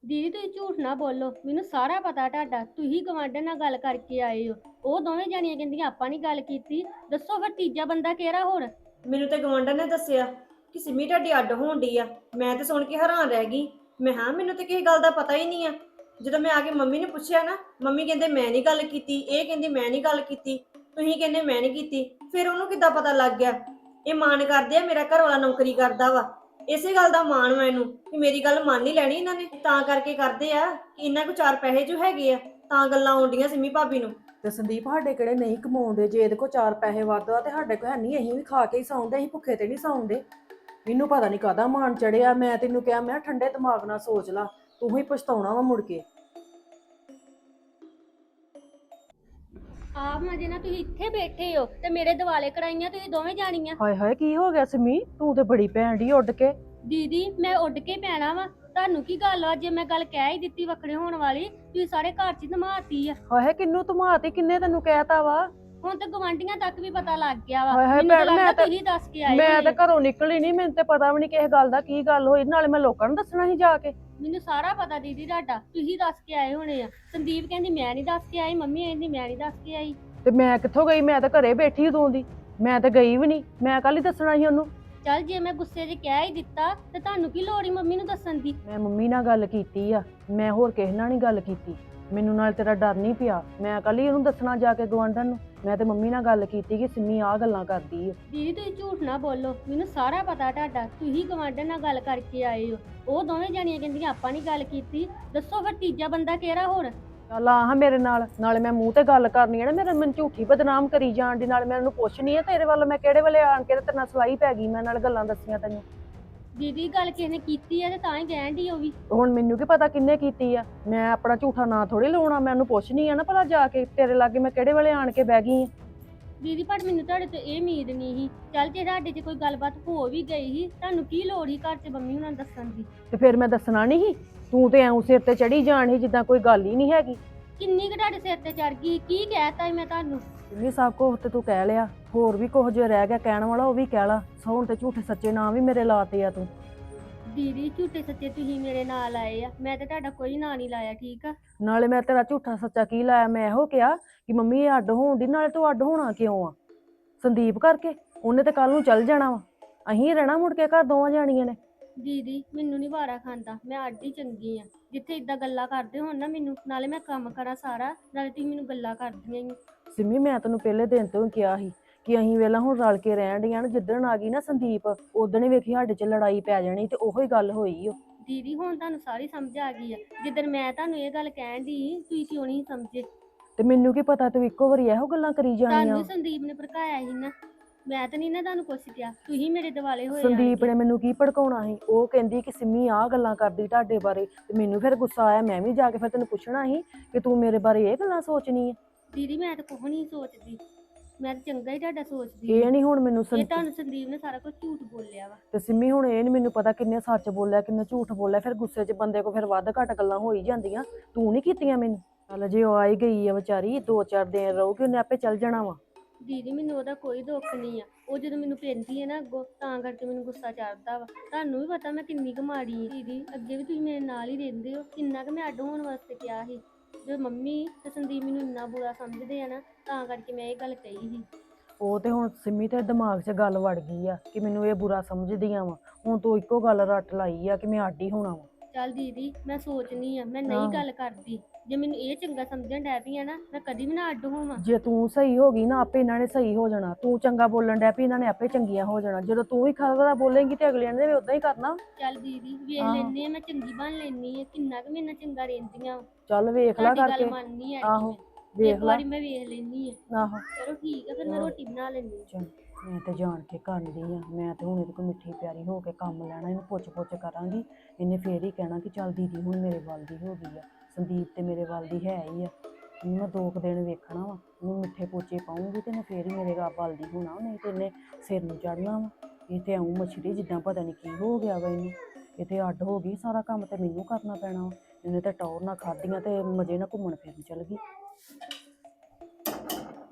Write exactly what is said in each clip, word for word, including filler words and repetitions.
ਦੀਦੀ ਤੁਸੀਂ ਝੂਠ ਨਾ ਬੋਲੋ, ਮੈਨੂੰ ਸਾਰਾ ਪਤਾ ਤੁਹਾਡਾ। ਤੁਸੀਂ ਗਵਾਂਢਣ ਨਾਲ ਗੱਲ ਕਰਕੇ ਆਏ ਹੋ। ਉਹ ਦੋਵੇਂ ਜਾਣੀਆਂ ਕਹਿੰਦੀਆਂ ਆਪਾਂ ਨਹੀਂ ਗੱਲ ਕੀਤੀ। ਦੱਸੋ ਫਿਰ ਤੀਜਾ ਬੰਦਾ ਕਿਹੜਾ ਹੋਰ? ਮੈਨੂੰ ਤੇ ਗਵਾਂਢਣ ਨੇ ਦੱਸਿਆ ਕਿ ਸਿੰਮੀ ਤੁਹਾਡੀ ਅੱਡ ਹੋਣ ਡਈ ਆ। ਮੈਂ ਤੇ ਸੁਣ ਕੇ ਹੈਰਾਨ ਰਹਿ ਗਈ। ਮੈਂ ਹਾਂ ਮੈਨੂੰ ਤੇ ਕਿਸੇ ਗੱਲ ਦਾ ਪਤਾ ਹੀ ਨਹੀਂ ਆ। ਜਦੋਂ ਮੈਂ ਆ ਕੇ ਮੰਮੀ ਨੇ ਪੁੱਛਿਆ ਨਾ, ਮੰਮੀ ਕਹਿੰਦੇ ਮੈਂ ਨਹੀਂ ਗੱਲ ਕੀਤੀ, ਇਹ ਕਹਿੰਦੀ ਮੈਂ ਨਹੀਂ ਗੱਲ ਕੀਤੀ, ਤੁਸੀਂ ਕਹਿੰਦੇ ਮੈਂ ਨਹੀਂ ਕੀਤੀ। ਫਿਰ ਉਹਨੂੰ ਕਿੱਦਾਂ ਪਤਾ ਲੱਗ ਗਿਆ? ਇਹ ਮਾਣ ਕਰਦੇ ਆ ਮੇਰਾ ਘਰ ਵਾਲਾ ਨੌਕਰੀ ਕਰਦਾ ਵਾ, ਇਸੇ ਗੱਲ ਦਾ ਮਾਣ ਮੈਨੂੰ ਕਿ ਮੇਰੀ ਗੱਲ ਮੰਨ ਹੀ ਲੈਣੀ ਇਹਨਾਂ ਨੇ। ਤਾਂ ਕਰਕੇ ਕਰਦੇ ਆ ਕਿ ਇਹਨਾਂ ਕੋ ਚਾਰ ਪੈਸੇ ਜੋ ਹੈਗੇ ਆ, ਤਾਂ ਗੱਲਾਂ ਆਉਂਦੀਆਂ ਸਿੰਮੀ ਭਾਬੀ ਨੂੰ। ਤੇ ਸੰਦੀਪ ਸਾਡੇ ਕਿਹੜੇ ਨਹੀਂ ਕਮਾਉਂਦੇ? ਜੇ ਇਹਦੇ ਕੋਲ ਚਾਰ ਪੈਸੇ ਵੱਧ ਆ ਤੇ ਸਾਡੇ ਕੋਲ ਹੈ ਨਹੀਂ, ਅਸੀਂ ਵੀ ਖਾ ਕੇ ਹੀ ਸੌਂਦੇ, ਅਸੀਂ ਭੁੱਖੇ ਤੇ ਨਹੀਂ ਸੌਂਦੇ। ਮੈਨੂੰ ਪਤਾ ਨਹੀਂ ਕਾਹਦਾ ਮਾਣ ਚੜਿਆ। ਮੈਂ ਤੈਨੂੰ ਕਿਹਾ ਮੈਂ ਠੰਡੇ ਦਿਮਾਗ ਨਾਲ ਸੋਚ ਲਾ, ਤੂੰ ਹੀ ਪਛਤਾਉਣਾ ਵਾ ਮੁੜ ਕੇ। ਆਪ ਮਜੇ ਨਾਲ ਤੁਸੀਂ ਇੱਥੇ ਬੈਠੇ ਹੋ ਤੇ ਮੇਰੇ ਦਿਵਾਲੇ ਕਰਾਈਆਂ ਤੁਸੀਂ ਦੋਵੇਂ ਜਾਣੀਆਂ। ਹਾਏ ਹਾਏ ਕੀ ਹੋ ਗਿਆ ਸਿੰਮੀ? ਤੂੰ ਤੇ ਬੜੀ ਭੈਣ ਢੀ ਉੱਡ ਕੇ। ਦੀਦੀ ਮੈਂ ਉੱਡ ਕੇ ਪੈਣਾ ਵਾ। ਤੁਹਾਨੂੰ ਕੀ ਗੱਲ ਆ? ਜੇ ਮੈਂ ਗੱਲ ਕਹਿ ਹੀ ਦਿੱਤੀ ਵੱਖਰੇ ਹੋਣ ਵਾਲੀ, ਤੁਸੀਂ ਸਾਰੇ ਘਰ 'ਚ ਧਮਾਤੀ ਆ। ਹਾਏ ਕਿੰਨੂੰ ਧਮਾਤੀ? ਕਿੰਨੇ ਤੈਨੂੰ ਕਹਿਤਾ ਵਾ? ਹੁਣ ਤੇ ਗਵਾਂਢੀਆਂ ਤੱਕ ਵੀ ਪਤਾ ਲੱਗ ਗਿਆ ਵਾ। ਹਾਏ ਹਾਏ ਮੈਨੂੰ ਤਾਂ ਭੈਣ, ਮੈਂ ਲੱਗਦਾ ਤਾਂ ਤੁਸੀਂ ਦੱਸ ਕੇ ਆਏ ਮੈਂ ਹੋਣੇ ਤਾਂ ਆ। ਘਰੋਂ ਨਿਕਲੀ ਨਹੀਂ, ਮੈਨੂੰ ਤੇ ਪਤਾ ਵੀ ਨਹੀਂ ਕਿਸੇ ਗੱਲ ਦਾ ਕੀ ਗੱਲ ਹੋਈ। ਨਾਲੇ ਮੈਂ ਲੋਕਾਂ ਨੂੰ ਦੱਸਣਾ ਸੀ ਜਾ ਕੇ। ਮੈਨੂੰ ਸਾਰਾ ਪਤਾ ਦੀਦੀ ਤੁਹਾਡਾ, ਤੁਸੀਂ ਦੱਸ ਕੇ ਆਏ ਹੋਣੇ ਆ। ਸੰਦੀਪ ਕਹਿੰਦੀ ਮੈਂ ਨਹੀਂ ਦੱਸ ਕੇ ਆਈ, ਮੰਮੀ ਕਹਿੰਦੀ ਮੈਂ ਨਹੀਂ ਦੱਸ ਕੇ ਆਈ। ਤੇ ਮੈਂ ਕਿੱਥੋਂ ਗਈ? ਮੈਂ ਤਾਂ ਘਰੇ ਬੈਠੀ ਉਦੋਂ ਦੀ, ਮੈਂ ਤਾਂ ਗਈ ਵੀ ਨਹੀਂ। ਮੈਂ ਕੱਲ ਹੀ ਦੱਸਣਾ ਸੀ ਉਹਨੂੰ। ਚੱਲ ਜੇ ਮੈਂ ਗੁੱਸੇ 'ਚ ਕਹਿ ਹੀ ਦਿੱਤਾ ਤੇ ਤੁਹਾਨੂੰ ਕੀ ਲੋੜ ਹੀ ਮੰਮੀ ਨੂੰ ਦੱਸਣ ਦੀ? ਮੈਂ ਮੰਮੀ ਨਾਲ ਗੱਲ ਕੀਤੀ ਆ, ਮੈਂ ਹੋਰ ਕਿਸੇ ਨਾਲ ਨਹੀਂ ਗੱਲ ਕੀਤੀ। ਮੈਨੂੰ ਨਾਲ ਤੇਰਾ ਡਰ ਨਹੀਂ ਪਿਆ। ਮੈਂ ਕੱਲ ਹੀ ਉਹਨੂੰ ਦੱਸਣਾ ਜਾ ਕੇ ਗਵਾਂਢਣ ਨੂੰ। ਮੈਂ ਤੇ ਮੰਮੀ ਨਾਲ ਗੱਲ ਕੀਤੀ ਕਿ ਸਿੰਮੀ ਆਹ ਗੱਲਾਂ ਕਰਦੀ ਆ। ਦੀਦੀ ਤੁਸੀਂ ਝੂਠ ਨਾ ਬੋਲੋ, ਮੈਨੂੰ ਸਾਰਾ ਪਤਾ ਤੁਹਾਡਾ। ਤੁਸੀਂ ਗਵਾਂਢਣ ਨਾਲ ਗੱਲ ਕਰਕੇ ਆਏ ਹੋ। ਉਹ ਦੋਵੇਂ ਜਾਣੀਆਂ ਕਹਿੰਦੀਆਂ ਆਪਾਂ ਨਹੀਂ ਗੱਲ ਕੀਤੀ। ਦੱਸੋ ਫਿਰ ਤੀਜਾ ਬੰਦਾ ਕਿਹੜਾ ਹੋਰ? ਚੱਲ ਆ ਹਾਂ ਮੇਰੇ ਨਾਲ, ਨਾਲੇ ਮੈਂ ਮੂੰਹ ਤੇ ਗੱਲ ਕਰਨੀ ਆ ਨਾ। ਮੇਰੇ ਮੈਨੂੰ ਝੂਠੀ ਬਦਨਾਮ ਕਰੀ ਜਾਣ ਦੀ, ਨਾਲ ਮੈਂ ਉਹਨੂੰ ਪੁੱਛਣੀ ਆ ਤੇਰੇ ਵੱਲ ਮੈਂ ਕਿਹੜੇ ਵੇਲੇ ਆਣ ਕੇ ਤੇ ਤੇਰੇ ਨਾਲ ਸਲਾਈ ਪੈ ਗਈ। ਮੈਂ ਨਾਲ ਗੱਲਾਂ ਦੱਸੀਆਂ ਤੈਨੂੰ। ਦੀਦੀ ਗੱਲ ਕਿਸੇ ਨੇ ਕੀਤੀ ਆ ਤੇ ਤਾਂ ਹੀ ਕਹਿਣ ਦੀ ਉਹ ਵੀ। ਹੁਣ ਮੈਨੂੰ ਕੀ ਪਤਾ ਕਿੰਨੇ ਕੀਤੀ ਆ? ਮੈਂ ਆਪਣਾ ਝੂਠਾ ਨਾਂ ਥੋੜੀ ਲਾਉਣਾ। ਮੈਂ ਉਹਨੂੰ ਪੁੱਛਣੀ ਆ ਨਾ ਭਲਾ ਜਾ ਕੇ ਤੇਰੇ ਲਾਗੇ ਮੈਂ ਕਿਹੜੇ ਵੇਲੇ ਆਣ ਕੇ ਬਹਿ ਗਈ ਆ। ਦੀਦੀ ਪਰ ਮੈਨੂੰ ਤੁਹਾਡੇ ਤੋਂ ਇਹ ਉਮੀਦ ਨਹੀਂ ਸੀ। ਚੱਲ ਜੇ ਤੁਹਾਡੇ 'ਚ ਕੋਈ ਗੱਲਬਾਤ ਹੋ ਵੀ ਗਈ ਸੀ, ਤੁਹਾਨੂੰ ਕੀ ਲੋੜ ਸੀ ਘਰ 'ਚ ਮੰਮੀ ਹੁਣਾਂ ਨੂੰ ਦੱਸਣ ਦੀ? ਤੇ ਫਿਰ ਮੈਂ ਦੱਸਣਾ ਨਹੀਂ ਸੀ? ਤੂੰ ਤੇ ਐਉਂ ਸਿਰ ਤੇ ਚੜੀ ਜਾਣ ਸੀ ਜਿੱਦਾਂ ਕੋਈ ਗੱਲ ਹੀ ਨਹੀਂ ਹੈਗੀ। ਕਿੰਨੀ ਕੁ ਤੁਹਾਡੇ ਸਿਰ ਤੇ ਚੜ ਗਈ? ਕੀ ਕਹਿਤਾ ਸੀ ਮੈਂ ਤੁਹਾਨੂੰ? ਇਹ ਸਭ ਕੁਝ ਤੇ ਤੂੰ ਕਹਿ ਲਿਆ, ਹੋਰ ਵੀ ਕੁਝ ਜੇ ਰਹਿ ਗਿਆ ਕਹਿਣ ਵਾਲਾ ਉਹ ਵੀ ਕਹਿ ਲਾ। ਸੌਣ ਤੇ ਝੂਠੇ ਸੱਚੇ ਨਾਂ ਵੀ ਮੇਰੇ ਲਾਤੇ ਆ ਤੂੰ। ਦੀਦੀ ਝੂਠੇ ਸੱਚੇ ਤੁਸੀਂ ਮੇਰੇ ਨਾਲ ਆਏ ਆ, ਮੈਂ ਤੇ ਤੁਹਾਡਾ ਕੋਈ ਨਾਂ ਨਹੀਂ ਲਾਇਆ, ਠੀਕ ਆ? ਨਾਲੇ ਮੈਂ ਤੇਰਾ ਝੂਠਾ ਸੱਚਾ ਕੀ ਲਾਇਆ? ਮੈਂ ਇਹੋ ਕਿਹਾ ਕਿ ਮੰਮੀ ਇਹ ਅੱਡ ਹੋਣ ਦੀ। ਨਾਲੇ ਤੂੰ ਅੱਡ ਹੋਣਾ ਕਿਉਂ ਆ? ਸੰਦੀਪ ਕਰਕੇ। ਉਹਨੇ ਤੇ ਕੱਲ ਨੂੰ ਚੱਲ ਜਾਣਾ ਵਾ, ਅਸੀਂ ਰਹਿਣਾ ਮੁੜ ਕੇ ਘਰ ਦੋਵਾਂ ਜਾਣੀਆਂ ਨੇ। ਦੀਦੀ ਮੈਨੂੰ ਨਹੀਂ ਵਾਰਾ ਖਾਂਦਾ, ਮੈਂ ਅੱਡ ਹੀ ਚੰਗੀ ਆ। ਜਿੱਥੇ ਇਦਾਂ ਗੱਲਾਂ ਕਰਦੇ ਹੋਣ ਨਾ ਮੈਨੂੰ, ਨਾਲੇ ਮੈਂ ਕੰਮ ਕਰਾਂ ਸਾਰਾ, ਨਾਲੇ ਤੁਸੀਂ ਮੈਨੂੰ ਗੱਲਾਂ ਕਰਦੀਆਂ ਹੀ। ਸਿੰਮੀ ਮੈਂ ਤੈਨੂੰ ਪਹਿਲੇ ਦਿਨ ਤੋਂ ਹੀ ਕਿਹਾ ਸੀ ਕਿ ਅਸੀਂ ਵੇਲਾ ਹੁਣ ਰਲ ਕੇ ਰਹਿਣ ਡੀਆਂ। ਜਿੱਦਣ ਆ ਗਈ ਨਾ ਸੰਦੀਪ, ਉਦਣ ਹੀ ਵੇਖੀ ਸਾਡੇ 'ਚ ਲੜਾਈ ਪੈ ਜਾਣੀ ਤੇ ਉਹੀ ਗੱਲ ਹੋਈ ਓ। ਦੀਦੀ ਹੁਣ ਤੁਹਾਨੂੰ ਸਾਰੀ ਸਮਝ ਆ ਗਈ ਆ। ਜਿੱਦਣ ਮੈਂ ਤੁਹਾਨੂੰ ਇਹ ਗੱਲ ਕਹਿਣ ਦੀ ਤੁਸੀਂ ਕਿਉਂ ਨਹੀਂ ਸਮਝੇ? ਤੇ ਮੈਨੂੰ ਕੀ ਪਤਾ ਤੂੰ ਇੱਕੋ ਵਾਰੀ ਇਹੋ ਗੱਲਾਂ ਕਰੀ ਜਾਣੀਆਂ। ਤੁਹਾਨੂੰ ਸੰਦੀਪ ਨੇ ਭੜਕਾਇਆ ਸੀ ਨਾ, ਮੈਂ ਤਾਂ ਨਹੀਂ ਨਾ ਤੁਹਾਨੂੰ ਕੁਛ ਕਿਹਾ, ਤੁਸੀਂ ਮੇਰੇ ਦਿਵਾਲੇ ਹੋਏ। ਸੰਦੀਪ ਨੇ ਮੈਨੂੰ ਕੀ ਭੜਕਾਉਣਾ ਸੀ? ਉਹ ਕਹਿੰਦੀ ਕਿ ਸਿੰਮੀ ਆਹ ਗੱਲਾਂ ਕਰਦੀ ਤੁਹਾਡੇ ਬਾਰੇ, ਤੇ ਮੈਨੂੰ ਫਿਰ ਗੁੱਸਾ ਆਇਆ। ਮੈਂ ਵੀ ਜਾ ਕੇ ਫਿਰ ਤੈਨੂੰ ਪੁੱਛਣਾ ਸੀ ਕਿ ਤੂੰ ਮੇਰੇ ਬਾਰੇ ਇਹ ਗੱਲਾਂ ਸੋਚਣੀ ਹੈ। ਦੀਦੀ ਮੈਂ ਤਾਂ ਕੁਛ ਨਹੀਂ ਸੋਚਦੀ, ਮੈਂ ਤਾਂ ਚੰਗਾ ਹੀ ਤੁਹਾਡਾ ਸੋਚਦੀ। ਇਹ ਨਹੀਂ ਹੁਣ ਮੈਨੂੰ ਇਹ ਤੁਹਾਨੂੰ ਸੰਦੀਪ ਨੇ ਸਾਰਾ ਕੁਝ ਝੂਠ ਬੋਲਿਆ ਵਾ। ਤੇ ਸਿੰਮੀ ਹੁਣ ਇਹ ਨਹੀਂ ਮੈਨੂੰ ਪਤਾ ਕਿੰਨੇ ਸੱਚ ਬੋਲਿਆ ਕਿੰਨੇ ਝੂਠ ਬੋਲਿਆ। ਫਿਰ ਗੁੱਸੇ 'ਚ ਬੰਦੇ ਕੋ ਫਿਰ ਵੱਧ ਘੱਟ ਗੱਲਾਂ ਹੋ ਹੀ ਜਾਂਦੀਆਂ। ਤੂੰ ਨਹੀਂ ਕੀਤੀਆਂ ਮੈਨੂੰ। ਚੱਲ ਜੇ ਉਹ ਆਈ ਗਈ ਆ ਵਿਚਾਰੀ, ਦੋ ਚਾਰ ਦਿਨ ਰਹੂਗੀ, ਉਹਨੇ ਆਪੇ ਚੱਲ ਜਾਣਾ ਵਾ। ਦੀਦੀ ਮੈਨੂੰ ਉਹਦਾ ਕੋਈ ਦੁੱਖ ਨਹੀਂ ਆ। ਉਹ ਜਦੋਂ ਮੈਨੂੰ ਪੈਂਦੀ ਹੈ ਨਾ ਅੱਗੋਂ, ਤਾਂ ਕਰਕੇ ਮੈਨੂੰ ਗੁੱਸਾ ਚੜਦਾ ਵਾ। ਤੁਹਾਨੂੰ ਵੀ ਪਤਾ ਮੈਂ ਕਿੰਨੀ ਕੁ ਮਾੜੀ ਆ। ਦੀਦੀ ਅੱਗੇ ਵੀ ਤੁਸੀਂ ਮੇਰੇ ਨਾਲ ਹੀ ਰਹਿੰਦੇ ਹੋ, ਕਿੰਨਾ ਕੁ ਮੈਂ ਅੱਡ ਹੋਣ ਵਾਸਤੇ ਕਿਹਾ ਸੀ। ਜੋ ਮੰਮੀ ਤੇ ਸੰਦੀਪ ਮੈਨੂੰ ਇੰਨਾ ਬੁਰਾ ਸਮਝਦੇ ਆ ਨਾ, ਤਾਂ ਕਰਕੇ ਮੈਂ ਇਹ ਗੱਲ ਕਹੀ ਸੀ। ਉਹ ਤੇ ਹੁਣ ਸਿੰਮੀ ਤੇ ਦਿਮਾਗ 'ਚ ਗੱਲ ਵੜ ਗਈ ਆ ਕਿ ਮੈਨੂੰ ਇਹ ਬੁਰਾ ਸਮਝਦੀਆਂ ਵਾ। ਹੁਣ ਤੂੰ ਇੱਕੋ ਗੱਲ ਰੱਟ ਲਾਈ ਆ ਕਿ ਮੈਂ ਅੱਡ ਹੀ ਹੋਣਾ ਵਾ। ਚੱਲ ਦੀਦੀ ਮੈਂ ਸੋਚਨੀ ਆ, ਮੈਂ ਨਹੀਂ ਗੱਲ ਕਰਦੀ। ਜੇ ਮੈਨੂੰ ਇਹ ਚੰਗਾ ਸਮਝਣ ਡੈ ਪਈ ਆ ਨਾ, ਮੈਂ ਕਦੀ ਵੀ ਨਾ ਅੱਡ ਹੋਵਾਂ। ਜੇ ਤੂੰ ਸਹੀ ਹੋ ਗਈ ਨਾ, ਆਪੇ ਇਹਨਾਂ ਨੇ ਸਹੀ ਹੋ ਜਾਣਾ। ਤੂੰ ਚੰਗਾ ਬੋਲਣ ਡੈ ਪਈ, ਇਹਨਾਂ ਨੇ ਆਪੇ ਚੰਗੀਆਂ ਹੋ ਜਾਣਾ। ਜਦੋਂ ਤੂੰ ਹੀ ਖਰਾ ਬੋਲੇਂਗੀ ਤੇ ਅਗਲਿਆਂ ਨੇ ਵੀ ਉਦਾਂ ਹੀ ਕਰਨਾ। ਚੱਲ ਦੀਦੀ ਵੇਖ ਲੈਨੇ ਆ, ਮੈਂ ਚੰਗੀ ਬਣ ਲੈਨੀ ਆ, ਕਿੰਨਾ ਕੁ ਮੇਰੇ ਨਾਲ ਚੰਗਾ ਰਹਿੰਦੀਆਂ। ਚੱਲ ਵੇਖ ਲੈ ਕਰਕੇ। ਗੱਲ ਮੰਨਨੀ ਆ। ਆਹੋ ਵੇਖ ਲੈ। ਮੈਂ ਵੇਖ ਲੈਨੀ ਆ। ਆਹੋ ਚਲੋ ਠੀਕ ਆ, ਫਿਰ ਮੈਂ ਰੋਟੀ ਬਣਾ ਲੈਣੀ। ਚੱਲ ਮੈਂ ਤੇ ਜਾਣ ਕੇ ਕਰਦੀ ਆ। ਮੈਂ ਤੇ ਹੁਣ ਇਹਦੇ ਕੋਲ ਮਿੱਠੀ ਪਿਆਰੀ ਹੋ ਕੇ ਕੰਮ ਲੈਣਾ। ਇਹਨੂੰ ਪੁੱਛ ਪੁੱਛ ਕਰਾਂਗੀ, ਇਹਨੇ ਫੇਰ ਹੀ ਕਹਿਣਾ ਕਿ ਚੱਲ ਦੀਦੀ ਹੁਣ ਮੇਰੇ ਵੱਲ ਦੀ ਹੋ ਗਈ ਆ। ਸੰਦੀਪ ਤੇ ਮੇਰੇ ਵੱਲ ਦੀ ਹੈ ਹੀ ਆ। ਇਹਨੂੰ ਮੈਂ ਦੋ ਕੁ ਦਿਨ ਵੇਖਣਾ ਵਾ, ਇਹਨੂੰ ਮਿੱਠੇ ਪੋਚੇ ਪਾਉਂਗੀ ਤੇ ਇਹਨੇ ਫੇਰ ਹੀ ਮੇਰੇ ਵੱਲ ਦੀ ਹੋਣਾ। ਨਹੀਂ ਤੇ ਇਹਨੇ ਸਿਰ ਨੂੰ ਚੜਨਾ ਵਾ। ਇਹ ਤੇ ਆਉਂ ਮਛਲੀ ਜਿੱਦਾਂ ਪਤਾ ਨਹੀਂ ਕੀ ਹੋ ਗਿਆ ਵਾ ਇਹਨੂੰ। ਇਹ ਤੇ ਅੱਡ ਹੋ ਗਈ, ਸਾਰਾ ਕੰਮ ਤੇ ਮੈਨੂੰ ਕਰਨਾ ਪੈਣਾ ਵਾ। ਇਹਨੇ ਤੇ ਟੌਰ ਨਾਲ ਖਾਧੀਆਂ ਤੇ ਮਜ਼ੇ ਨਾਲ ਘੁੰਮਣ ਫਿਰਨ ਚੱਲ ਗਈ।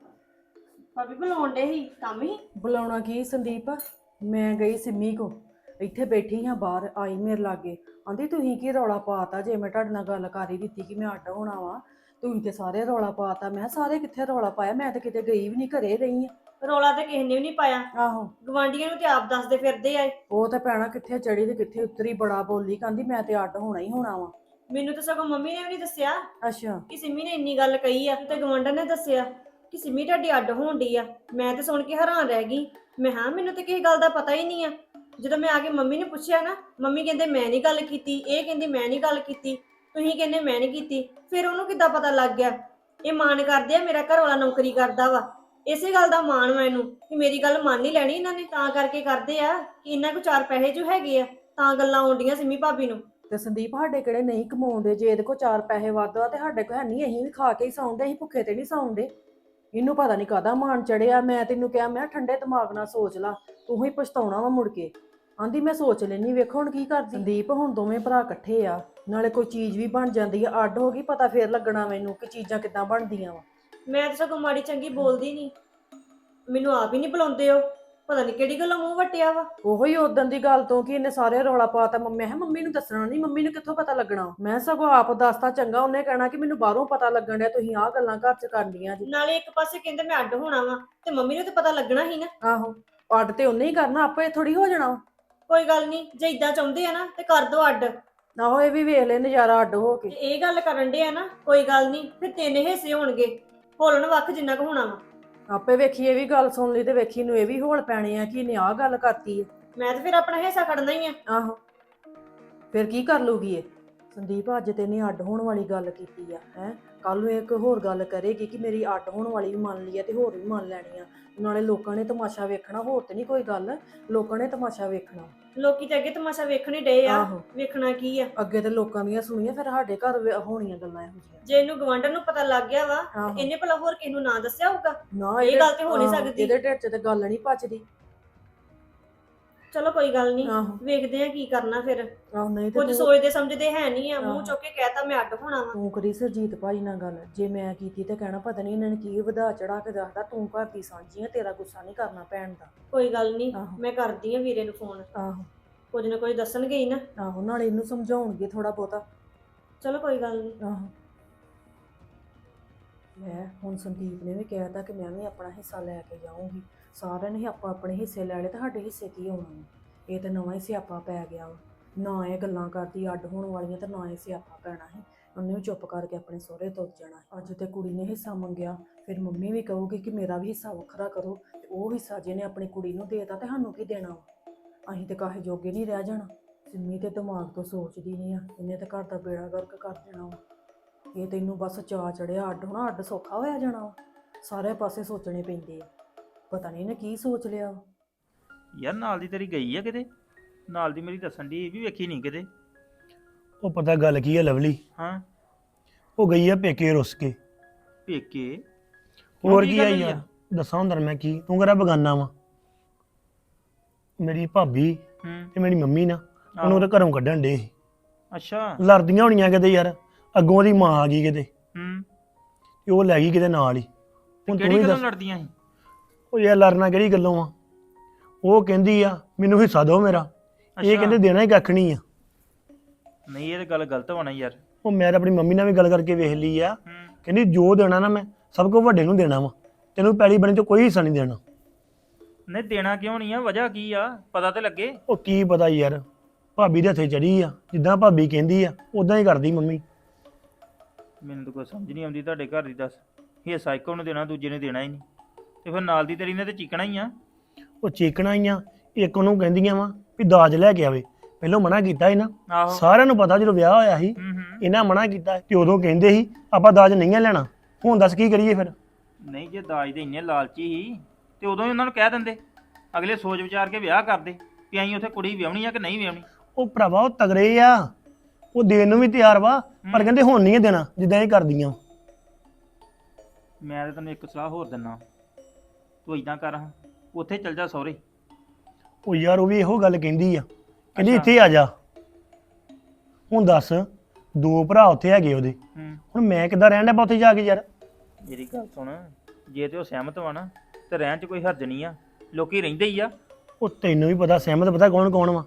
ਭਾਬੀ ਬੁਲਾਉਣ ਡੇ ਸੀ, ਕੰਮ ਹੀ? ਬੁਲਾਉਣਾ ਕੀ ਸੰਦੀਪ? ਮੈਂ ਗਈ ਸਿੰਮੀ ਕੋ ਇੱਥੇ ਬੈਠੀ ਹਾਂ ਬਾਹਰ ਆਈ ਮੇਰੇ ਲਾਗੇ, ਆਂਦੀ ਤੁਸੀਂ ਕੀ ਰੌਲਾ ਪਾਤਾ ਜੇ ਮੈਂ ਤੁਹਾਡੇ ਨਾਲ ਗੱਲ ਕਰ ਹੀ ਦਿੱਤੀ ਕਿ ਮੈਂ ਅੱਡ ਹੋਣਾ ਵਾ, ਤੁਸੀਂ ਤੇ ਸਾਰੇ ਰੌਲਾ ਪਾਤਾ। ਮੈਂ ਕਿਹਾ ਸਾਰੇ ਕਿੱਥੇ ਰੌਲਾ ਪਾਇਆ, ਮੈਂ ਤਾਂ ਕਿਤੇ ਗਈ ਵੀ ਨਹੀਂ, ਘਰੇ ਰਹੀ ਆ। ਰੌਲਾ ਤੇ ਕਿਸੇ ਨੇ ਵੀ ਨਹੀਂ ਪਾਇਆ, ਆਹੋ ਗਵਾਂਢੀਆਂ ਨੂੰ ਤੇ ਆਪ ਦੱਸਦੇ ਫਿਰਦੇ ਆ। ਉਹ ਤਾਂ ਭੈਣਾ ਕਿੱਥੇ ਚੜੀ ਤੇ ਕਿੱਥੇ ਉਤਰੀ, ਬੜਾ ਬੋਲੀ, ਕਹਿੰਦੀ ਮੈਂ ਤੇ ਅੱਡ ਹੋਣਾ ਹੀ ਹੋਣਾ ਵਾ। ਮੈਨੂੰ ਤਾਂ ਸਗੋਂ ਮੰਮੀ ਨੇ ਵੀ ਨਹੀਂ ਦੱਸਿਆ ਅੱਛਾ ਕਿ ਸਿੰਮੀ ਨੇ ਇੰਨੀ ਗੱਲ ਕਹੀ ਆ, ਤੇ ਗਵਾਂਢਣ ਨੇ ਦੱਸਿਆ ਕਿ ਸਿੰਮੀ ਤੁਹਾਡੀ ਅੱਡ ਹੋਣ ਡਈ ਆ। ਮੈਂ ਤੇ ਸੁਣ ਕੇ ਹੈਰਾਨ ਰਹਿ ਗਈ। ਮੈਂ ਹਾਂ ਮੈਨੂੰ ਤੇ ਕਿਸੇ ਗੱਲ ਦਾ ਪਤਾ ਹੀ ਨਹੀਂ ਆ। ਜਦੋਂ ਮੈਂ ਆ ਕੇ ਮੰਮੀ ਨੂੰ ਪੁੱਛਿਆ ਨਾ, ਮੰਮੀ ਕਹਿੰਦੇ ਮੈਂ ਨਹੀਂ ਗੱਲ ਕੀਤੀ, ਇਹ ਕਹਿੰਦੀ ਮੈਂ ਨਹੀਂ ਗੱਲ ਕੀਤੀ, ਤੁਸੀਂ ਕਹਿੰਦੇ ਮੈਂ ਨਹੀਂ ਕੀਤੀ। ਫਿਰ ਉਹਨੂੰ ਕਿੱਦਾਂ ਪਤਾ ਲੱਗ ਗਿਆ? ਇਹ ਮਾਣ ਕਰਦੇ ਆ ਮੇਰਾ ਘਰ ਵਾਲਾ ਨੌਕਰੀ ਕਰਦਾ ਵਾ, ਇਸੇ ਗੱਲ ਦਾ ਮਾਣ ਵਾ ਇਹਨੂੰ ਕਿ ਮੇਰੀ ਗੱਲ ਮੰਨ ਹੀ ਲੈਣੀ ਇਹਨਾਂ ਨੇ, ਤਾਂ ਕਰਕੇ ਕਰਦੇ ਆ ਕਿ ਇਹਨਾਂ ਕੋ ਚਾਰ ਪੈਸੇ ਜੋ ਹੈਗੇ ਆ, ਤਾਂ ਗੱਲਾਂ ਆਉਂਦੀਆਂ ਸਿੰਮੀ ਭਾਬੀ ਨੂੰ। ਤੇ ਸੰਦੀਪ ਸਾਡੇ ਕਿਹੜੇ ਨਹੀਂ ਕਮਾਉਂਦੇ, ਜੇ ਇਹਦੇ ਕੋਲ ਚਾਰ ਪੈਸੇ ਵੱਧ ਆ ਤੇ ਸਾਡੇ ਕੋਲ ਹੈ ਨਹੀਂ, ਅਸੀਂ ਵੀ ਖਾ ਕੇ ਹੀ ਸੌਂਦੇ, ਅਸੀਂ ਭੁੱਖੇ ਤੇ ਨਹੀਂ ਸੌਂਦੇ। ਇਹਨੂੰ ਪਤਾ ਨਹੀਂ ਕਾਹਦਾ ਮਾਣ ਚੜਿਆ। ਮੈਂ ਤੈਨੂੰ ਕਿਹਾ ਮੈਂ ਠੰਡੇ ਦਿਮਾਗ ਨਾਲ ਸੋਚ ਲਾ, ਤੂੰ ਹੀ ਪਛਤਾਉਣਾ ਵਾ ਮੁੜ ਕੇ। ਆਂਦੀ ਮੈਂ ਸੋਚ ਲੈਣੀ, ਵੇਖੋ ਹੁਣ ਕੀ ਕਰਦੀ। ਸੰਦੀਪ ਹੁਣ ਦੋਵੇਂ ਭਰਾ ਇਕੱਠੇ ਆ, ਨਾਲੇ ਕੋਈ ਚੀਜ਼ ਵੀ ਬਣ ਜਾਂਦੀ ਆ, ਅੱਡ ਹੋ ਗਈ ਪਤਾ ਫੇਰ ਲੱਗਣਾ ਮੈਨੂੰ ਕਿ ਚੀਜ਼ਾਂ ਕਿੱਦਾਂ ਬਣਦੀਆਂ ਵਾ। ਮੈਂ ਤਾਂ ਸਗੋਂ ਮਾੜੀ ਚੰਗੀ ਬੋਲਦੀ ਨਹੀਂ, ਮੈਨੂੰ ਆਪ ਹੀ ਨਹੀਂ ਬੁਲਾਉਂਦੇ। ਉਹ ਪਤਾ ਨਹੀਂ ਕਿਹੜੀ ਗੱਲੋਂ ਮੂੰਹ ਵੱਟਿਆ ਵਾ। ਉਹੋ ਹੀ ਉਦੋਂ ਦੀ ਗੱਲ ਤੋਂ ਕਿ ਇਹਨੇ ਸਾਰੇ ਰੌਲਾ ਪਾਤਾ। ਮੈਂ ਕਿਹਾ ਮੰਮੀ ਨੂੰ ਦੱਸਣਾ ਨਹੀਂ, ਮੰਮੀ ਨੂੰ ਕਿੱਥੋਂ ਪਤਾ ਲੱਗਣਾ। ਮੈਂ ਸਗੋਂ ਆਪ ਦੱਸਤਾ ਚੰਗਾ, ਉਹਨੇ ਕਹਿਣਾ ਕਿ ਮੈਨੂੰ ਬਾਹਰੋਂ ਪਤਾ ਲੱਗਣ ਡਿਆ, ਤੁਸੀਂ ਆਹ ਗੱਲਾਂ ਘਰ 'ਚ ਕਰਨੀਆਂ ਜੀ। ਨਾਲੇ ਇੱਕ ਪਾਸੇ ਕਹਿੰਦੇ ਮੈਂ ਅੱਡ ਹੋਣਾ ਵਾ, ਤੇ ਮੰਮੀ ਨੂੰ ਤੇ ਪਤਾ ਲੱਗਣਾ ਹੀ ਨਾ। ਆਹੋ ਅੱਡ ਤੇ ਉਹਨੇ ਹੀ ਕਰਨਾ, ਆਪੇ ਥੋੜੀ ਹੋ ਜਾਣਾ। ਕੋਈ ਗੱਲ ਨਹੀਂ, ਜੇ ਇਦਾਂ ਚਾਹੁੰਦੇ ਆ ਨਾ ਤੇ ਕਰ ਦੋ ਅੱਡ। ਆਹੋ ਇਹ ਵੀ ਵੇਖ ਲੈ ਨਜ਼ਾਰਾ ਅੱਡ ਹੋ ਤੇ ਕੇ। ਇਹ ਗੱਲ ਕਰਨ ਦੇ ਆ ਨਾ, ਕੋਈ ਗੱਲ ਨਹੀਂ, ਫਿਰ ਤਿੰਨ ਹਿੱਸੇ ਹੋਣਗੇ, ਹੋਲਣ ਵੱਖ ਜਿੰਨਾ ਕੁ ਹੋਣਾ ਵਾ। ਆਪੇ ਵੇਖੀ ਇਹ ਵੀ ਗੱਲ ਸੁਣ ਲਈ ਤੇ ਵੇਖੀ ਨੂੰ ਇਹ ਵੀ ਹੋਲ ਪੈਣੇ ਆ ਕਿ ਇਹਨੇ ਆਹ ਗੱਲ ਕਰਤੀ ਹੈ। ਮੈਂ ਤੇ ਫਿਰ ਆਪਣਾ ਹਿੱਸਾ ਖੜਨਾ ਹੀ ਆ। ਆਹੋ ਫਿਰ ਕੀ ਕਰ ਲੂਗੀ ਇਹ? ਸੰਦੀਪ ਅੱਜ ਤੇ ਇਹਨੇ ਅੱਡ ਹੋਣ ਵਾਲੀ ਗੱਲ ਕੀਤੀ ਆ, ਹੈ ਕੱਲ ਨੂੰ ਇੱਕ ਹੋਰ ਗੱਲ ਕਰੇਗੀ ਕਿ ਮੇਰੀ ਅੱਡ ਹੋਣ ਵਾਲੀ ਵੀ ਮੰਨ ਲਈ ਆ ਤੇ ਹੋਰ ਵੀ ਮੰਨ ਲੈਣੀ ਆ। ਨਾਲੇ ਲੋਕਾਂ ਨੇ ਤਮਾਸ਼ਾ ਵੇਖਣਾ, ਹੋਰ ਤੇ ਨਹੀਂ ਕੋਈ ਗੱਲ, ਲੋਕਾਂ ਨੇ ਤਮਾਸ਼ਾ ਵੇਖਣਾ। ਲੋਕੀ ਤੇ ਅੱਗੇ ਤਮਾਸ਼ਾ ਵੇਖਣ ਹੀ ਡਏ ਆ, ਆਹੋ ਵੇਖਣਾ ਕੀ ਆ? ਅੱਗੇ ਤੇ ਲੋਕਾਂ ਦੀਆਂ ਸੁਣੀਆਂ, ਫਿਰ ਸਾਡੇ ਘਰ ਵੇ- ਹੋਣੀਆਂ ਗੱਲਾਂ ਇਹੋ ਜਿਹੀਆਂ। ਜੇ ਇਹਨੂੰ ਗਵਾਂਢਣ ਨੂੰ ਪਤਾ ਲੱਗ ਗਿਆ ਵਾ, ਆਹੋ। ਇਹਨੇ ਭਲਾ ਹੋਰ ਕਿਸੇ ਨੂੰ ਨਾ ਦੱਸਿਆ ਹੋਊਗਾ? ਨਾ ਇਹ ਇਹਦੇ- ਗੱਲ ਤੇ ਹੋ ਨਹੀਂ ਆਹੋ, ਸਕਦੀ। ਇਹਦੇ ਢਿੱਡ 'ਚ ਤੇ ਗੱਲ ਨਹੀਂ ਪਚਦੀ। ਚਲੋ ਕੋਈ ਗੱਲ ਨਹੀਂ, ਆਹੋ ਵੇਖਦੇ ਆ ਕੀ ਕਰਨਾ ਫਿਰ। ਆਹੋ ਨਹੀਂ ਤੇ ਕੁਝ ਤੂੰ ਸੋਚਦੇ ਸਮਝਦੇ ਹੈ ਨਹੀਂ ਆ, ਮੂੰਹ ਆਹੋ। ਚੁੱਕ ਕੇ ਕਹਿਤਾ ਮੈਂ ਅੱਡ ਹੋਣਾ ਵਾ। ਤੂੰ ਕਰੀ ਸਰਜੀਤ ਭਾਈ ਨਾਲ ਗੱਲ, ਜੇ ਮੈਂ ਕੀਤੀ ਤੇ ਕਹਿਣਾ ਪਤਾ ਨਹੀਂ ਇਹਨਾਂ ਨੇ ਕੀ ਵਧਾ ਚੜਾ ਕੇ ਦੱਸਦਾ। ਤੂੰ ਘਰ ਦੀ ਸਾਂਝੀ ਆ, ਤੇਰਾ ਗੁੱਸਾ ਨਹੀਂ ਕਰਨਾ ਭੈਣ ਦਾ। ਕੋਈ ਗੱਲ ਨਹੀਂ, ਆਹੋ। ਮੈਂ ਕਰਦੀ ਆ ਵੀਰੇ ਨੂੰ ਫੋਨ, ਆਹੋ ਕੁਝ ਨਾ ਕੁਝ ਦੱਸਣਗੇ ਹੀ ਨਾ। ਆਹੋ ਨਾਲੇ ਇਹਨੂੰ ਸਮਝਾਉਣਗੇ ਥੋੜਾ ਬਹੁਤਾ। ਚਲੋ ਕੋਈ ਗੱਲ ਨਹੀਂ। ਆਹੋ ਮੈਂ ਹੁਣ ਸੰਦੀਪ ਨੇ ਵੀ ਕਹਿਤਾ ਕਿ ਮੈਂ ਵੀ ਆਪਣਾ ਹਿੱਸਾ ਲੈ ਕੇ ਜਾਊਂਗੀ। ਸਾਰਿਆਂ ਨੇ ਹੀ ਆਪਾਂ ਆਪਣੇ ਹਿੱਸੇ ਲੈ ਲਏ ਤੇ ਸਾਡੇ ਹਿੱਸੇ ਕੀ ਹੋਣਾ ਵਾ? ਇਹ ਤਾਂ ਨਵਾਂ ਹੀ ਸਿਆਪਾ ਪੈ ਗਿਆ ਵਾ। ਨਾ ਇਹ ਗੱਲਾਂ ਕਰਦੀ ਅੱਡ ਹੋਣ ਵਾਲੀਆਂ ਤੇ ਨਾ ਇਹ ਸਿਆਪਾ ਪੈਣਾ ਸੀ। ਉਹਨੇ ਵੀ ਚੁੱਪ ਕਰਕੇ ਆਪਣੇ ਸਹੁਰੇ ਤੁਰ ਜਾਣਾ। ਅੱਜ ਤੇ ਕੁੜੀ ਨੇ ਹਿੱਸਾ ਮੰਗਿਆ, ਫਿਰ ਮੰਮੀ ਵੀ ਕਹੂਗੀ ਕਿ ਮੇਰਾ ਵੀ ਹਿੱਸਾ ਵੱਖਰਾ ਕਰੋ, ਤੇ ਉਹ ਹਿੱਸਾ ਜਿਹਨੇ ਆਪਣੀ ਕੁੜੀ ਨੂੰ ਦੇਤਾ ਤੇ ਸਾਨੂੰ ਕੀ ਦੇਣਾ ਵਾ? ਅਸੀਂ ਤੇ ਕਾਹੇ ਜੋਗੇ ਨਹੀਂ ਰਹਿ ਜਾਣਾ। ਸਿੰਮੀ ਤੇ ਦਿਮਾਗ ਤੋਂ ਸੋਚਦੀ ਨਹੀਂ ਆ, ਇਹਨੇ ਤਾਂ ਘਰ ਦਾ ਬੇੜਾ ਗਰਕ ਕਰ ਦੇਣਾ ਵਾ। ਇਹ ਤੈਨੂੰ ਬਸ ਚਾਅ ਚੜਿਆ ਅੱਡ ਹੋਣਾ, ਅੱਡ ਸੌਖਾ ਹੋਇਆ ਜਾਣਾ ਵਾ। ਸਾਰੇ ਪਾਸੇ ਸੋਚਣੇ ਪੈਂਦੇ ਆ, ਪਤਾ ਨਹੀਂ ਇਹਨੇ ਕੀ ਸੋਚ ਲਿਆ ਵਾ। ਯਾਰ ਨਾਲ ਦੀ ਤੇਰੀ ਗਈ ਆ ਕਿਤੇ? ਨਾਲ ਦੀ ਮੇਰੀ ਦੱਸਣ ਦੀ ਇਹ ਵੀ ਵੇਖੀ ਨਹੀਂ ਕਿਤੇ। ਉਹ ਪਤਾ ਗੱਲ ਕੀ ਹੈ ਲਵਲੀ, ਹਾਂ ਉਹ ਗਈ ਆ ਪੇਕੇ ਰੁੱਸ ਕੇ। ਪੇਕੇ? ਹੋਰ ਕੀ ਕੀ ਆ ਗੱਲ ਹੋਈ ਯਾਰ, ਦੱਸਾਂ ਹੁੰਦਾ ਮੈਂ ਕੀ, ਤੂੰ ਕਿਹੜਾ ਬਗਾਨਾ ਵਾ? ਮੇਰੀ ਭਾਬੀ ਹੂੰ ਤੇ ਮੇਰੀ ਮੰਮੀ ਨਾ ਉਹਨੂੰ ਉਹਦੇ ਘਰੋਂ ਕੱਢਣ ਡੇ ਸੀ। ਅੱਛਾ। ਲੜਦੀਆਂ ਹੋਣੀਆਂ ਕਿਤੇ ਯਾਰ, ਅੱਗੋਂ ਉਹਦੀ ਮਾਂ ਆ ਗਈ ਕਿਤੇ ਹੂੰ ਤੇ ਉਹ ਲੈ ਗਈ ਕਿਤੇ ਨਾਲ ਹੀ। ਹੁਣ ਤੂੰ ਕਿਹੜੀ ਹੀ ਗੱਲੋਂ ਦੱਸ, ਲੜਦੀਆਂ ਸੀ? ਉਹ ਯਾਰ ਲੜਨਾ ਕਿਹੜੀ ਗੱਲੋਂ ਆ? ਉਹ ਕਹਿੰਦੀ ਆ ਮੈਨੂੰ ਹਿੱਸਾ ਦਿਓ ਮੇਰਾ, ਇਹ ਕਹਿੰਦੇ ਦੇਣਾ ਹੀ ਕੱਖ ਨਹੀਂ ਆ। ਨਹੀਂ ਇਹ ਤਾਂ ਗੱਲ ਗਲਤ ਹੋਣਾ ਯਾਰ। ਉਹ ਮੈਂ ਤਾਂ ਆਪਣੀ ਮੰਮੀ ਨਾਲ ਵੀ ਗੱਲ ਕਰਕੇ ਵੇਖ ਲਈ ਆ, ਹੂੰ ਕਹਿੰਦੀ ਜੋ ਦੇਣਾ ਨਾ ਮੈਂ ਸਭ ਕੁਝ ਵੱਡੇ ਨੂੰ ਦੇਣਾ ਵਾ, ਤੈਨੂੰ ਪੈਲੀ ਬਣੀ ਤੋਂ ਕੋਈ ਹਿੱਸਾ ਨਹੀਂ ਦੇਣਾ। ਨਹੀਂ ਦੇਣਾ ਕਿਉਂ ਨਹੀਂ ਆ? ਵਜ੍ਹਾ ਕੀ ਆ? ਪਤਾ ਤੇ ਲੱਗੇ। ਉਹ ਕੀ ਪਤਾ ਯਾਰ, ਭਾਬੀ ਦੇ ਹੱਥੇ ਚੜੀ ਆ, ਜਿੱਦਾਂ ਭਾਬੀ ਕਹਿੰਦੀ ਆ ਉਦਾਂ ਹੀ ਕਰਦੀ ਮੰਮੀ। ਮੈਨੂੰ ਤਾਂ ਕੋਈ ਸਮਝ ਨਹੀਂ ਆਉਂਦੀ ਤੁਹਾਡੇ ਘਰ ਦੀ। ਦੱਸ, ਹਿੱਸਾ ਇੱਕੋ ਨੂੰ ਦੇਣਾ, ਦੂਜੇ ਨੇ ਦੇਣਾ ਹੀ ਨਹੀਂ, ਤੇ ਫਿਰ ਨਾਲ ਦੀ ਤੇਰੀ ਨੇ ਤੇ ਚੀਕਣਾ ਹੀ ਆ। ਉਹ ਚੀਕਣਾ ਹੀ ਆ, ਇੱਕ ਉਹਨੂੰ ਕਹਿੰਦੀਆਂ ਵਾ ਵੀ ਦਾਜ ਲੈ ਕੇ ਆਵੇ। ਪਹਿਲਾਂ ਮਨਾ ਕੀਤਾ ਸੀ ਨਾ, ਆਹੋ। ਸਾਰਿਆਂ ਨੂੰ ਪਤਾ ਜਦੋਂ ਵਿਆਹ ਹੋਇਆ ਸੀ ਹੂੰ ਹੂੰ ਇਹਨਾਂ ਮਨਾ ਕੀਤਾ ਕਿ ਉਦੋਂ ਕਹਿੰਦੇ ਸੀ ਆਪਾਂ ਦਾਜ ਨਹੀਂ ਲੈਣਾ। ਹੁਣ ਦੱਸ ਕੀ ਕਰੀਏ ਫਿਰ? ਨਹੀਂ ਜੇ ਦਾਜ ਦੇ ਇੰਨੇ ਲਾਲਚੀ ਸੀ ਤੇ ਉਦੋਂ ਹੀ ਉਹਨਾਂ ਨੂੰ ਕਹਿ ਦਿੰਦੇ, ਅਗਲੇ ਸੋਚ ਵਿਚਾਰ ਕੇ ਵਿਆਹ ਕਰਦੇ ਵੀ ਅਸੀਂ ਉੱਥੇ ਕੁੜੀ ਵਿਆਹਣੀ ਆ ਕਿ ਨਹੀਂ ਵਿਆਹਣੀ। ਉਹ ਭਰਾਵਾ ਉਹ ਤਗੜੇ ਆ, ਉਹ ਦੇਣ ਨੂੰ ਵੀ ਤਿਆਰ ਵਾ, ਪਰ ਕਹਿੰਦੇ ਹੁਣ ਨਹੀਂ ਦੇਣਾ ਜਿੱਦਾਂ ਇਹ ਕਰਦੀਆਂ। ਮੈਂ ਤਾਂ ਤੈਨੂੰ ਇੱਕ ਸਲਾਹ ਹੋਰ ਦਿੰਦਾ, ਤੂੰ ਇਦਾਂ ਕਰ, ਹਾਂ ਉੱਥੇ ਚੱਲ ਜਾ ਸਹੁਰੇ। ਉਹ ਯਾਰ ਉਹ ਵੀ ਇਹੋ ਗੱਲ ਕਹਿੰਦੀ ਆ, ਕਹਿੰਦੀ ਅੱਛਾ। ਇੱਥੇ ਆ ਜਾ। ਹੁਣ ਦੱਸ, ਦੋ ਭਰਾ ਉੱਥੇ ਹੈਗੇ ਉਹਦੇ, ਹੂੰ ਹੁਣ ਮੈਂ ਕਿੱਦਾਂ ਰਹਿਣ ਡਿਆ ਉੱਥੇ ਜਾ ਕੇ ਯਾਰ? ਮੇਰੀ ਗੱਲ ਸੁਣ, ਜੇ ਤੇ ਉਹ ਸਹਿਮਤ ਵਾ ਨਾ ਤੇ ਰਹਿਣ 'ਚ ਕੋਈ ਹਰਜ ਨਹੀਂ ਆ, ਲੋਕੀ ਰਹਿੰਦੇ ਹੀ ਆ। ਉਹ ਤੈਨੂੰ ਵੀ ਪਤਾ ਸਹਿਮਤ ਪਤਾ ਕੌਣ ਕੌਣ ਵਾ?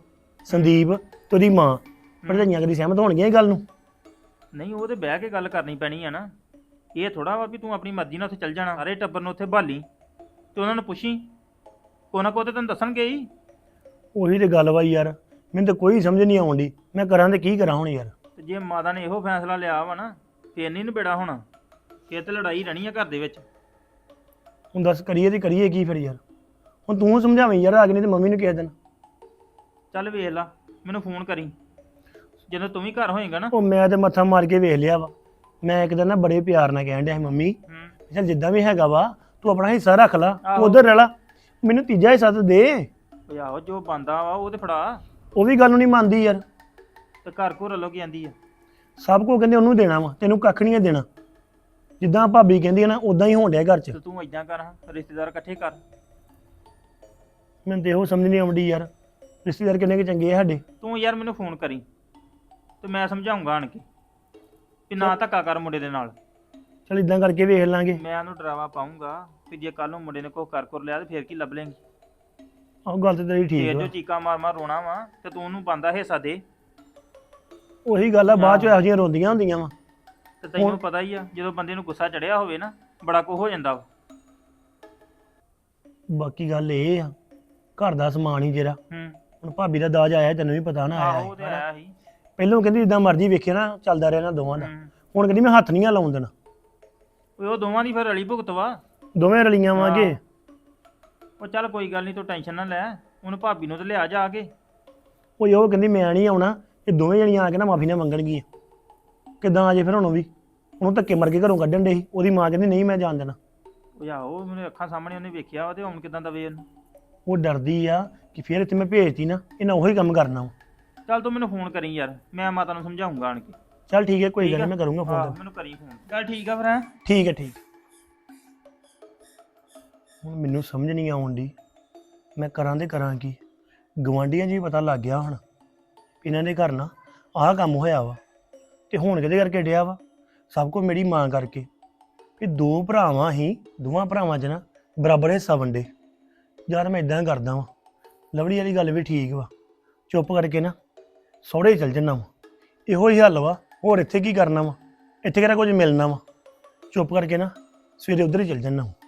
ਸੰਦੀਪ ਤੇ ਉਹਦੀ ਮਾਂ ਭਰਜਾਈਆਂ ਕਦੀ ਸਹਿਮਤ ਹੋਣਗੀਆਂ ਇਹ ਗੱਲ ਨੂੰ? ਨਹੀਂ ਉਹ ਤੇ ਬਹਿ ਕੇ ਗੱਲ ਕਰਨੀ ਪੈਣੀ ਆ ਨਾ। ਇਹ ਥੋੜਾ ਵਾ ਵੀ ਤੂੰ ਆਪਣੀ ਮਰਜ਼ੀ ਨਾਲ ਉੱਥੇ ਚੱਲ ਜਾਣਾ। ਸਾਰੇ ਟੱਬਰ ਨੂੰ ਉੱਥੇ ਭਾਲੀ ਤੇ ਉਹਨਾਂ ਨੂੰ ਪੁੱਛੀ, ਕੋਈ ਨਾ ਕੋਈ ਤੇ ਤੈਨੂੰ ਦੱਸਣਗੇ ਹੀ। ਉਹੀ ਤੇ ਗੱਲ ਵਾ ਯਾਰ, ਮੈਨੂੰ ਤਾਂ ਕੋਈ ਸਮਝ ਨਹੀਂ ਆਉਂਦੀ ਮੈਂ ਕਰਾਂ ਤੇ ਕੀ ਕਰਾਂ ਹੁਣ ਯਾਰ। ਤੇ ਜੇ ਮਾਤਾ ਨੇ ਇਹੋ ਫੈਸਲਾ ਲਿਆ ਵਾ ਨਾ ਫੇਰ ਨਹੀਂ ਨਿਬੇੜਾ ਹੋਣਾ, ਫੇਰ ਤੇ ਲੜਾਈ ਰਹਿਣੀ ਆ ਘਰ ਦੇ ਵਿੱਚ। ਹੁਣ ਦੱਸ ਕਰੀਏ ਤੇ ਕਰੀਏ ਕੀ ਫਿਰ ਯਾਰ? ਹੁਣ ਤੂੰ ਸਮਝਾਵੇਂ ਯਾਰ, ਆ ਕੇ ਨਹੀਂ ਤੇ ਮੰਮੀ ਨੂੰ ਕਹਿ ਦੇਣ। ਚੱਲ ਵੇਖ ਲਾ, ਮੈਨੂੰ ਫੋਨ ਕਰੀ ਜਦੋਂ ਤੂੰ ਵੀ ਘਰ ਹੋਏਗਾ ਨਾ। ਉਹ ਮੈਂ ਤੇ ਮੱਥਾ ਮਾਰ ਕੇ ਵੇਖ ਲਿਆ ਵਾ। ਮੈਂ ਇੱਕ ਦਿਨ ਨਾ ਬੜੇ ਪਿਆਰ ਨਾਲ ਕਹਿਣ ਡਿਆ ਸੀ ਮੰਮੀ ਹੂੰ ਚੱਲ ਜਿੱਦਾਂ ਵੀ ਹੈਗਾ ਵਾ ਤੂੰ ਆਪਣਾ ਹਿੱਸਾ ਰੱਖ ਲਾ, ਤੂੰ ਆਹੋ। ਉਧਰ ਰਹਿ ਲਾ, ਮੈਨੂੰ ਤੀਜਾ ਹਿੱਸਾ ਤਾਂ ਦੇ। ਉਹ ਆਹੋ ਜੋ ਬੰਦਾ ਵਾ ਉਹ ਤੇ ਫੜਾ। ਉਹ ਵੀ ਗੱਲ ਨੂੰ ਨਹੀਂ ਮੰਨਦੀ ਯਾਰ। ਤੇ ਘਰ ਘਰ ਵੱਲੋਂ ਕੀ ਆਂਦੀ ਆ? ਸਭ ਕੁਝ ਕਹਿੰਦੇ ਉਹਨੂੰ ਦੇਣਾ ਵਾ, ਤੈਨੂੰ ਕੱਖ ਨਹੀਂ ਦੇਣਾ। ਜਿੱਦਾਂ ਭਾਬੀ ਕਹਿੰਦੀ ਹੈ ਨਾ ਉਦਾਂ ਹੀ ਹੋਣ ਡਿਆ ਘਰ 'ਚ। ਤੇ ਤੂੰ ਏਦਾਂ ਕਰ, ਹਾਂ ਰਿਸ਼ਤੇਦਾਰ ਇਕੱਠੇ ਕਰ। ਮੈਨੂੰ ਤੇ ਇਹੋ ਸਮਝ ਨਹੀਂ ਆਉਂਦੀ ਯਾਰ, ਰਿਸ਼ਤੇਦਾਰ ਕਿੰਨੇ ਕੁ ਚੰਗੇ ਆ ਸਾਡੇ। ਤੂੰ ਯਾਰ ਮੈਨੂੰ ਫੋਨ ਕਰੀ ਤੇ ਮੈਂ ਸਮਝਾਉਂਗਾ ਆਣ ਕੇ ਵੀ ਨਾ ਧੱਕਾ ਕਰ ਮੁੰਡੇ ਦੇ ਨਾਲ। ਚਲ ਇਦਾਂ ਕਰਕੇ ਵੇਖ ਲਾਂਗੇ। ਮੈਂ ਉਹਨੂੰ ਡਰਾਵਾ ਪਾਉਂਗਾ ਵੀ ਜੇ ਕੱਲ ਨੂੰ ਮੁੰਡੇ ਨੇ ਕੁਛ ਕਰ ਕਰ ਲਿਆ ਤੇ ਫੇਰ ਕੀ ਲੱਭ ਲੇਂਗੀ? ਆਹ ਗੱਲ ਤੇ ਤੇਰੀ ਠੀਕ ਫੇਰ ਵਾ। ਜੋ ਚੀਕਾਂ ਮਾਰ ਮਾਰ ਰੋਣਾ ਵਾ ਤੇ ਤੂੰ ਉਹਨੂੰ ਬੰਦਾ ਹਿੱਸਾ ਦੇ। ਉਹੀ ਗੱਲ ਆ, ਬਾਅਦ 'ਚ ਇਹੋ ਜਿਹੀਆਂ ਰੋਂਦੀਆਂ ਹੁੰਦੀਆਂ ਵਾ। ਤੇ ਤੈਨੂੰ ਪਤਾ ਹੀ ਆ ਜਦੋਂ ਬੰਦੇ ਨੂੰ ਗੁੱਸਾ ਚੜਿਆ ਹੋਵੇ ਨਾ ਬੜਾ ਕੁਝ ਹੋ ਜਾਂਦਾ ਵਾ। ਬਾਕੀ ਗੱਲ ਇਹ ਆ, ਘਰ ਦਾ ਸਮਾਨ ਹੀ ਜਿਹੜਾ ਹੂੰ ਹੁਣ ਭਾਬੀ ਦਾ ਦਾਜ ਆਇਆ, ਤੈਨੂੰ ਵੀ ਪਤਾ ਨਾ ਆਇਆ ਆਹੋ ਉਹ ਤੇ ਹੈ। ਆਇਆ ਸੀ। ਪਹਿਲਾਂ ਕਹਿੰਦੀ ਜਿੱਦਾਂ ਮਰਜ਼ੀ ਵੇਖਿਆ ਨਾ ਚੱਲਦਾ ਰਿਹਾ ਨਾ ਦੋਵਾਂ ਦਾ। ਹੂੰ ਹੁਣ ਕਹਿੰਦੀ ਮੈਂ ਹੱਥ ਨਹੀਂ ਆ ਲਾਉਣ ਦੇਣਾ। ਓਏ ਉਹ ਦੋਵਾਂ ਦੀ ਫਿਰ ਰਲੀ ਭੁਗਤ ਵਾ। ਦੋਵੇਂ ਰਲੀਆਂ ਵਾਂਗੇ। ਉਹ ਚੱਲ ਕੋਈ ਗੱਲ ਨਹੀਂ, ਤੂੰ ਟੈਨਸ਼ਨ ਨਾ ਲੈ। ਉਹਨੂੰ ਭਾਬੀ ਨੂੰ ਤੇ ਲਿਆ ਜਾ ਕੇ। ਉਹ ਉਹ ਕਹਿੰਦੀ ਮੈਂ ਨਹੀਂ ਆਉਣਾ, ਇਹ ਦੋਵੇਂ ਜਣੀਆਂ ਆ ਕੇ ਨਾ ਮਾਫੀ ਨਾ ਮੰਗਣਗੀਆਂ। ਕਿੱਦਾਂ ਆ ਜੇ ਫਿਰ ਹੁਣ ਉਹ ਵੀ ਉਹਨੂੰ ਧੱਕੇ ਮਾਰ ਕੇ ਘਰੋਂ ਕੱਢਣ ਦੇ ਸੀ। ਉਹਦੀ ਮਾਂ ਕਹਿੰਦੀ ਨਹੀਂ ਮੈਂ ਜਾਣ ਦੇਣਾ। ਉਹ ਆਹੋ ਮੈਨੂੰ ਅੱਖਾਂ ਸਾਹਮਣੇ ਉਹਨੇ ਵੇਖਿਆ ਵਾ ਤੇ ਹੁਣ ਕਿਦਾਂ ਦਵੇ ਉਹਨੂੰ। ਉਹ ਡਰਦੀ ਆ ਕਿ ਫਿਰ ਇੱਥੇ ਮੈਂ ਭੇਜਤੀ ਨਾ ਇਹਨਾਂ ਉਹੀ ਕੰਮ ਕਰਨਾ ਵਾ। ਚੱਲ ਤੂੰ ਮੈਨੂੰ ਫੋਨ ਕਰੀ ਯਾਰ, ਮੈਂ ਮਾਤਾ ਨੂੰ ਸਮਝਾਉਂਗਾ ਆਣ ਕੇ। ਚੱਲ ਠੀਕ ਹੈ, ਕੋਈ ਠੀਕ ਗੱਲ ਆ? ਨਹੀਂ, ਮੈਂ ਕਰੂੰਗਾ ਆਹ, ਫੋਨ। ਮੈਨੂੰ ਕਰੀ ਫੋਨ। ਚੱਲ ਠੀਕ ਆ ਫਿਰ ਹੈਂ। ਠੀਕ ਹੈ ਠੀਕ। ਹੁਣ ਮੈਨੂੰ ਸਮਝ ਨਹੀਂ ਆਉਂਦੀ ਮੈਂ ਕਰਾਂ ਤੇ ਕਰਾਂ ਕੀ। ਗਵਾਂਢੀਆਂ 'ਚ ਵੀ ਪਤਾ ਲੱਗ ਗਿਆ ਹੁਣ ਇਹਨਾਂ ਦੇ ਘਰ ਨਾ ਆਹ ਕੰਮ ਹੋਇਆ ਵਾ, ਤੇ ਹੁਣ ਕਿਹਦੇ ਕਰਕੇ ਡਿਆ ਵਾ? ਸਭ ਕੁਝ ਮੇਰੀ ਮਾਂ ਕਰਕੇ। ਵੀ ਦੋ ਭਰਾਵਾਂ ਹੀ, ਦੋਵਾਂ ਭਰਾਵਾਂ 'ਚ ਨਾ ਬਰਾਬਰ ਹਿੱਸਾ ਵੰਡੇ। ਯਾਰ ਮੈਂ ਇਦਾਂ ਕਰਦਾ ਵਾਂ, ਲਵਲੀ ਵਾਲੀ ਗੱਲ ਵੀ ਠੀਕ ਵਾ, ਚੁੱਪ ਕਰਕੇ ਨਾ ਸਹੁਰੇ ਚੱਲ ਜੰਨਾ ਵਾ। ਇਹੋ ਹੀ ਹੱਲ ਵਾ, ਹੋਰ ਇੱਥੇ ਕੀ ਕਰਨਾ ਵਾ? ਇੱਥੇ ਕਿਹੜਾ ਕੁਝ ਮਿਲਣਾ ਵਾ? ਚੁੱਪ ਕਰਕੇ ਨਾ ਸਵੇਰੇ ਉੱਧਰ ਹੀ ਚੱਲ ਜੰਨਾ ਵਾ।